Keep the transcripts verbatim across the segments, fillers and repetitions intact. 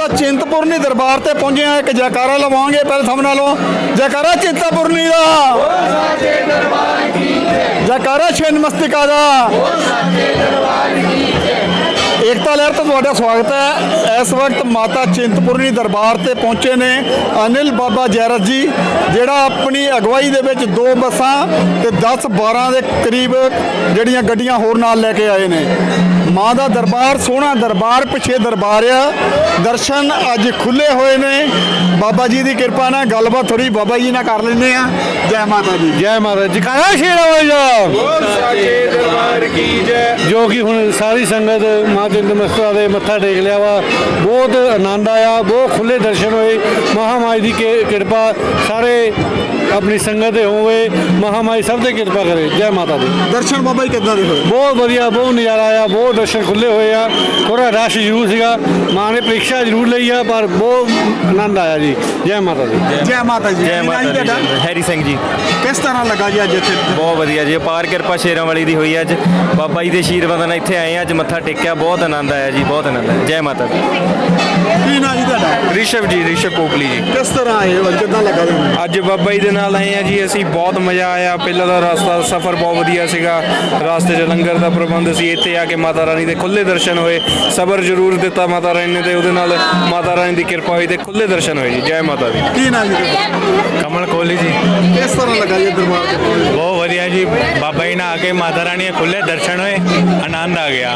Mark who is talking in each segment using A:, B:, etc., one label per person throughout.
A: माता चिंतपूर्णी दरबार ते पहुंचे हैं। एक जयकारा लवांगे पहले सब नालों, जयकारा चिंतपूर्णी दा, जयकारा छिन्नमस्तिका दा। एकता लहर तो तुहाडा स्वागत है। इस वक्त माता चिंतपूर्णी दरबार ते पहुंचे ने अनिल बाबा जैरत जी, जिहड़ा अपनी अगवाई दे विच दो बसां ते दस बारह के करीब जिहड़ियां गड्डियां होर नाल लैके आए ने। माँ का दरबार सोहना दरबार, पिछे दरबार आ। दर्शन अज खुले हुए ने। बाबा जी की कृपा ना गलबात थोड़ी बाबा जी ना कर लेने। जय माता जी,
B: जय माता जी। जयकारा शेरा दरबार की जय। जो कि हुण सारी संगत माँ चिंतमस्तिका दे मत्था टेक लिया वा, बहुत आनंद आया, बहुत खुले दर्शन होए। महामाई की कृपा सारे अपनी संगत होवे, महामाई सब की कृपा करे। जय माता दी।
A: दर्शन बाबा जी कितना दे होए?
B: बहुत बढ़िया, बहुत नज़ारा आया, बहुत दर्शन खुले हुए आ। थोड़ा रश जरूर सीगा, माँ ने परीक्षा जरूर ली आ, पर बहुत आनंद आया जी। जय माता दी।
A: जय माता जी।
C: जय माता दी। हैरी सिंह जी।
A: किस तरह लगा जी अज इत्थे?
C: बहुत वधिया जी, अपार किरपा शेरां वाली दी हुई अज। बाबा जी के आशीर्वाद नाल इत्थे आए अज मत्था टेकिया, बहुत आनंद आया जी, बहुत आनंद आया। जय माता दी।
A: की नाम जी तुहाडा?
D: ऋषभ जी, ऋषभ पोपली जी।
A: किस तरह आए हो, कितना लगा तुहानू?
D: ਅੱਜ ਬਾਬਾ ਜੀ ਦੇ ਨਾਲ ਆਏ ਆ ਜੀ ਅਸੀਂ, ਬਹੁਤ ਮਜ਼ਾ ਆਇਆ। ਪਹਿਲਾਂ ਦਾ ਰਸਤਾ ਸਫ਼ਰ ਬਹੁਤ ਵਧੀਆ ਸੀਗਾ, ਰਸਤੇ 'ਚ ਲੰਗਰ ਦਾ ਪ੍ਰਬੰਧ ਸੀ। ਇੱਥੇ ਆ ਕੇ ਮਾਤਾ ਰਾਣੀ ਦੇ ਖੁੱਲੇ ਦਰਸ਼ਨ ਹੋਏ। ਸਬਰ ਜ਼ਰੂਰ ਦਿੱਤਾ ਮਾਤਾ ਰਾਣੀ ਨੇ ਤੇ ਉਹਦੇ ਨਾਲ ਮਾਤਾ ਰਾਣੀ ਦੀ ਕਿਰਪਾ ਹੋਈ ਤੇ ਖੁੱਲੇ ਦਰਸ਼ਨ ਹੋਏ ਜੀ। ਜੈ ਮਾਤਾ ਦੀ।
A: की नाम जी तुहाडा?
C: कमल कोहली जी।
A: किस तरह लगा जी दरबार ते?
C: बहुत वधिया जी, बाबा जी ने आके माता रानी के खुले दर्शन हुए, आनंद आ गया।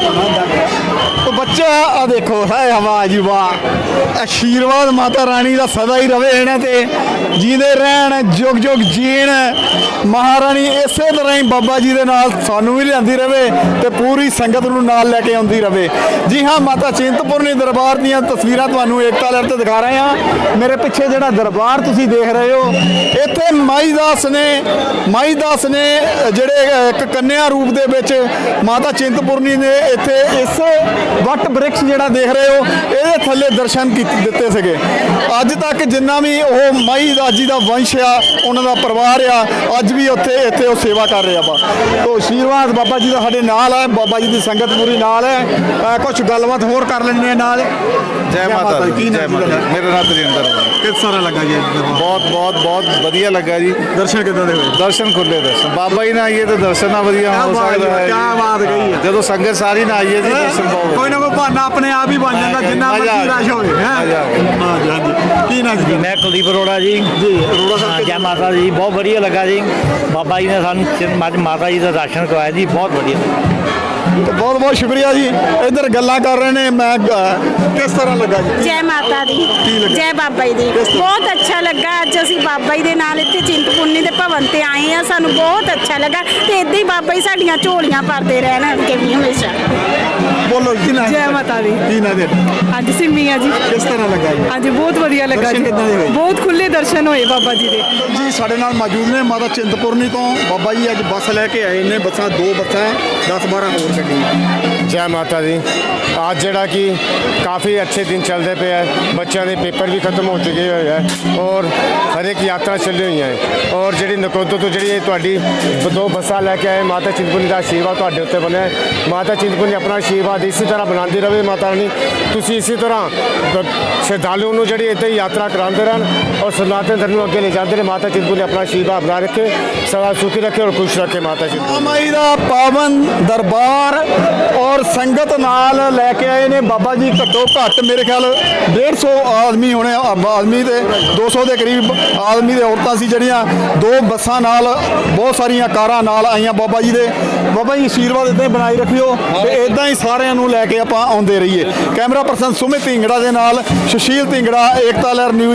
A: तो बच्चा आ देखो है हवा जी, वाह। आशीर्वाद माता रानी का सदा ही रवे इन्हां ते, जींदे रहन, जुग जुग जीण। महारानी इसे तरह ही बाबा जी दे नाल सानू भी लियांदी रवे ते पूरी संगत नूं नाल लैके आउंदी रवे। जी हाँ, माता चिंतपूर्णी दरबार दीयां तस्वीरां तुहानू एकता लहर ते दिखा रहे हैं। मेरे पिछे जिहड़ा दरबार तुसीं देख रहे हो, इत्थे माई दास ने माई दास ने जिहड़े एक कन्या रूप दे विच माता चिंतपूर्णी ने इत्थे इस वट वृक्ष जिहड़ा देख रहे हो, ਇਹਦੇ ਥੱਲੇ ਦਰਸ਼ਨ ਕੀਤੇ ਦਿੱਤੇ ਸੀਗੇ। ਅੱਜ ਤੱਕ ਜਿੰਨਾ ਵੀ ਉਹ ਮਾਈ ਦਾਸ ਜੀ ਦਾ ਵੰਸ਼ ਆ, ਉਹਨਾਂ ਦਾ ਪਰਿਵਾਰ ਆ, ਅੱਜ ਵੀ ਉੱਥੇ ਇੱਥੇ ਉਹ ਸੇਵਾ ਕਰ ਰਿਹਾ ਵਾ। ਤੋ ਆਸ਼ੀਰਵਾਦ ਬਾਬਾ ਜੀ ਦਾ ਸਾਡੇ ਨਾਲ ਹੈ, ਬਾਬਾ ਜੀ ਦੀ ਸੰਗਤ ਪੂਰੀ ਨਾਲ ਹੈ। ਕੁਝ ਗੱਲਬਾਤ ਹੋਰ ਕਰ ਲੈਂਦੇ ਆ ਨਾਲ।
B: जय माता दी।
A: ਕੀ
B: जय
A: ਨਾਮ
B: माता
A: ਜੀ
B: दी। मेरा नाम तजिंदर है।
A: ਕਿਸ ਤਰ੍ਹਾਂ ਲੱਗਾ ਜੀ ਦਰਬਾਰ?
B: बहुत बहुत बहुत बढ़िया लगा जी।
A: ਦਰਸ਼ਨ ਕਿੱਦਾਂ ਦੇ ਹੋਏ?
B: दर्शन खुले दर्शन बाबा जी ना आइए तो दर्शन ना वधिया हो सकता है।
A: क्या बात कही है।
B: जो संगत सारी ना आइए जी, दर्शन बहुत
A: ਕੋਈ ਨਾ ਕੋਈ ਬਹਾਨਾ ਆਪਣੇ ਆਪ ਹੀ ਬਣ ਜਾਂਦਾ, ਜਿੰਨਾ
B: ਮਜ਼ਾ
A: ਮਰਜ਼ੀ
B: ਆ
A: ਰਸ਼ ਹੋਵੇ।
B: ਮਜ਼ਾ ਆ ਗਿਆ।
A: ਹਾਂ ਜੀ, ਹਾਂਜੀ। ਕੀ ਨਾਮ ਜੀ?
E: मैं कुलदीप अरोड़ा जी।
A: ਜੀ ਅਰੋੜਾ
E: हाँ,
A: ਸਾਹਿਬ
E: जय माता जी। बहुत बढ़िया लगा जी, बाबा जी ने सानू माता जी का दर्शन करवाया जी, बहुत बढ़िया।
A: बहुत बहुत शुक्रिया जी। इधर गल्लां कर रहे ने, मैं किस तरह लगा जी?
F: जय माता दी,
A: ਲੱਗਾ?
F: जय बाबा जी दी।
A: ਕਿਸ ਤਰ੍ਹਾਂ?
F: बहुत अच्छा लगा। अज असीं बाबा जी दे नाल इत्थे चिंतपूर्णी दे भवन ते आए हैं, सानू बहुत अच्छा लगा। ते इदां ही बाबा जी साडियां झोलियां भरदे रहन अगे भी हमेशा।
A: बोलो की नाम?
G: जय माता दी।
A: की नाम दे?
G: ਅੱਜ ਸਿੰਮੀ ਆ ਜੀ।
A: किस तरह लगा जी?
G: ਅੱਜ ਬਹੁਤ ਵਧੀਆ ਲੱਗਾ
A: ਦਰਸ਼ਨ
G: ਜੀ,
A: ਕਿੱਦਾਂ ਦੇ ਹੋਏ?
G: ਬਹੁਤ ਖੁੱਲੇ ਦਰਸ਼ਨ ਹੋਏ ਬਾਬਾ ਜੀ ਦੇ।
A: ਜੀ ਸਾਡੇ ਨਾਲ ਮੌਜੂਦ ਨੇ ਮਾਤਾ ਚਿੰਤਪੁਰਨੀ ਤੋਂ ਬਾਬਾ ਜੀ। ਅੱਜ ਬੱਸ ਲੈ ਕੇ ਆਏ ਨੇ, ਬੱਸਾਂ ਦੋ ਬੱਸਾਂ दस बारह ਹੋਰ ਗੱਡੀਆਂ।
H: जय माता दी। आज जड़ा कि काफ़ी अच्छे दिन चलते पे है, बच्चों के पेपर भी खत्म हो चुके हुए हैं और हर एक यात्रा चल रही है। और जी नकोदो तो जी थोड़ी दो बसा लैके आए, माता चिंतपूर्णी का आशीर्वाद थोड़े उत्ते बने। माता चिंतपूर्णी अपना आशीर्वाद इसी तरह बनाती रहे माता रानी। तुसी इसी तरह श्रद्धालुओं को जी इतने यात्रा कराते रहन और सनातन धर्म को अगे ले जाते रहे। माता चिंतपूर्णी अपना आशीर्वाद बना रखे, सदा सुखी रखे और खुश रखे। माता चिंतपूर्णी
A: माई का पावन दरबार और संगत नाल लैके आए ने बाबा जी। घट्टो घट्ट मेरे ख्याल डेढ़ सौ आदमी होने, आदमी दे दो सौ के करीब आदमी दे औरतां सी जड़ियां दो बसां नाल, बहुत सारियां कारां नाल आईयां बाबा जी दे। बाबा जी आशीर्वाद इदां ही बनाई रखियो ते इदां ही सारियां नूं लैके आपां आउंदे रहिए। कैमरा पर्सन सुमित ढिंगड़ा दे नाल सुशील ढिंगड़ा, एकता लहर न्यूज़।